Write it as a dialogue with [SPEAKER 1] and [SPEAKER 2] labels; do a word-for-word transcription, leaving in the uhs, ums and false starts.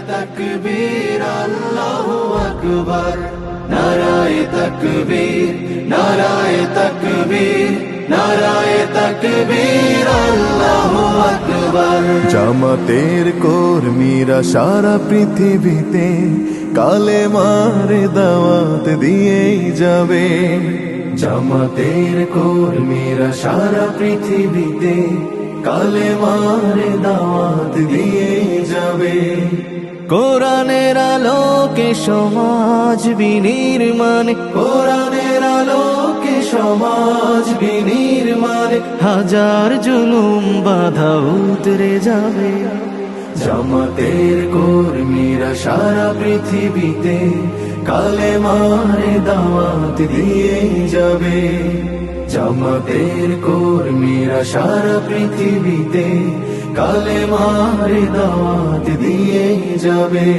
[SPEAKER 1] তাকবীর আল্লাহু আকবার, নারায়ে তাকবীর, নারায়ে তাকবীর, নারায়ে তাকবীর আল্লাহু আকবার।
[SPEAKER 2] জামাতের কর্মীরা সারা পৃথিবীতে কালেমার দাওয়াত দিয়েই যাবে।
[SPEAKER 1] জামাতের কর্মীরা সারা পৃথিবীতে কালেমার দাওয়াত দিয়ে যাবে। কোরআনের আলোকে সমাজ বিনির্মাণ, কোরআনের আলোকে সমাজ বিনির্মাণ, হাজার জুলুম বাধা উতরে যাবে। জামাতের কর্মীরা সারা পৃথিবীতে কালেমার দাওয়াত দিয়ে যাবে। জামাতের কর্মীরা সারা পৃথিবীতে কালেমার দাওয়াত দিয়ে যাবে।